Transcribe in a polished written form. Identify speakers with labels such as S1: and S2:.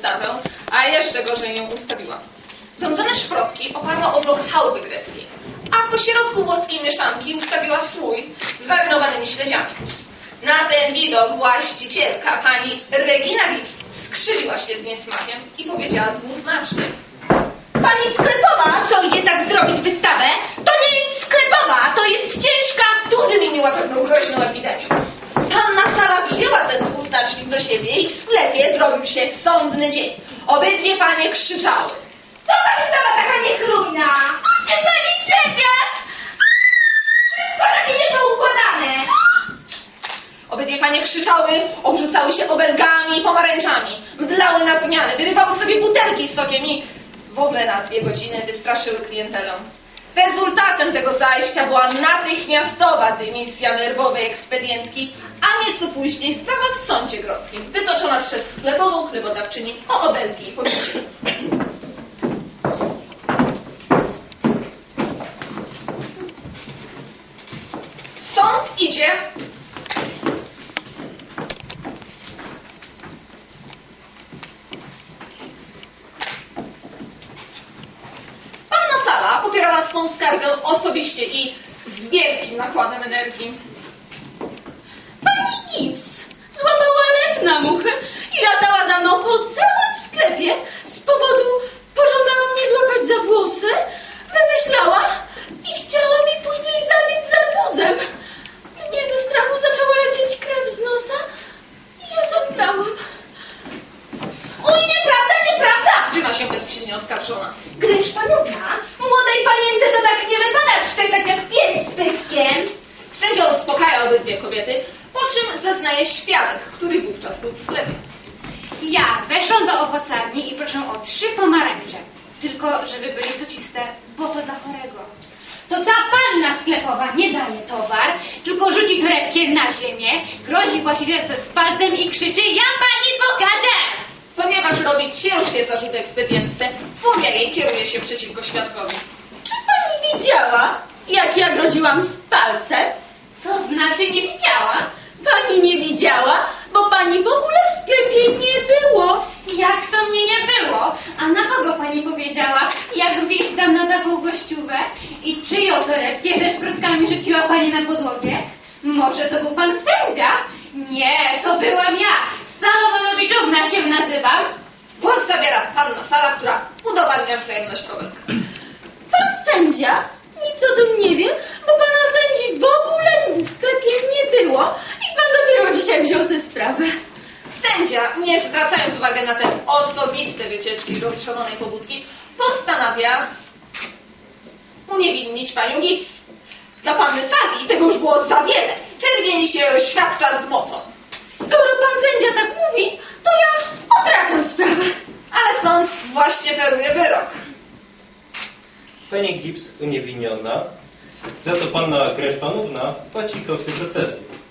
S1: wystawę, a jeszcze gorzej ją ustawiła. Pędzone szprotki oparła o blok chałupy greckiej, a po środku włoskiej mieszanki ustawiła słój z marynowanymi śledziami. Na ten widok właścicielka, pani Regina Wips, skrzywiła się z niesmakiem i powiedziała dwuznacznie:
S2: Pani sklepowa, co idzie tak zrobić wystawę? To nie jest sklepowa, to jest ciężka.
S1: Tu wymieniła pewną groźną epidemię. Panna Sala wzięła ten dwuznacznik do siebie i w sklepie zrobił się sądny dzień. Obydwie panie krzyczały:
S2: Co ta wystawa taka niechlujna? O się pani czepiasz? Wszystko takie niepoukładane.
S1: Obydwie panie krzyczały, obrzucały się obelgami i pomarańczami, mdlały na zmiany, wyrywały sobie butelki z sokiem i w ogóle na 2 godziny wystraszyły klientelę. Rezultatem tego zajścia była natychmiastowa dymisja nerwowej ekspedientki, a nieco później sprawa w sądzie grodzkim, wytoczona przez sklepową chlebodawczyni o obelgi i pobicie. Sąd idzie. Panna Sala popierała swą skargę osobiście i z wielkim nakładem energii.
S2: Pani Gibbs złapała lep na muchę i latała za mną po całym sklepie. Z powodu pożądała mnie złapać za włosy, wymyślała i chciała mi później zabić zarbuzem. Mnie ze strachu zaczęła lecieć krew z nosa i ja zemdlałam. Oj, nieprawda, nieprawda!
S1: Trzyma się bezsilnie oskarżona.
S2: Gryż panówna, młodej panience to tak nie wypada szczekać jak pies z pyskiem.
S1: Sędzia uspokaja obydwie kobiety, po czym zeznaje świadek, który wówczas był w sklepie.
S3: Ja weszłam do owocarni i proszę o 3 pomarańcze. Tylko, żeby byli sociste, bo to dla chorego. To ta panna sklepowa nie daje towar, tylko rzuci torebkę na ziemię, grozi właścicielce z palcem i krzyczy: ja pani pokażę!
S1: Ponieważ robi ciężkie zarzuty ekspedientce, furia jej kieruje się przeciwko świadkowi.
S2: Czy pani widziała, jak ja groziłam z palcem?
S3: Co znaczy nie widziała?
S2: Pani nie widziała, bo pani w ogóle w sklepie nie było.
S3: Jak to mnie nie było? A na kogo pani powiedziała, jak gwizdam na taką gościówę? I czyją torebkę ze szprotkami rzuciła pani na podłogę? Może to był pan sędzia? Nie, to byłam ja. Stalowonowiczówna się nazywam.
S1: Głos zabiera panna Sala, która udowadnia wzajemność kobiet.
S2: Pan sędzia nic o tym nie wie, bo pana sędzi w ogóle w sklepie nie było i pan dopiero dzisiaj wziął tę sprawę.
S1: Sędzia, nie zwracając uwagi na te osobiste wycieczki rozszerzonej pobudki, postanawia uniewinnić panią Gibbs. Dla panny Sali tego już było za wiele. Czerwieni się oświadcza z mocą.
S2: Skoro pan sędzia tak mówi, to ja odraczam sprawę.
S1: Ale sąd właśnie feruje wyrok.
S4: Pani Gibbs uniewinniona, za to panna Kreszpanówna płaci koszty procesu.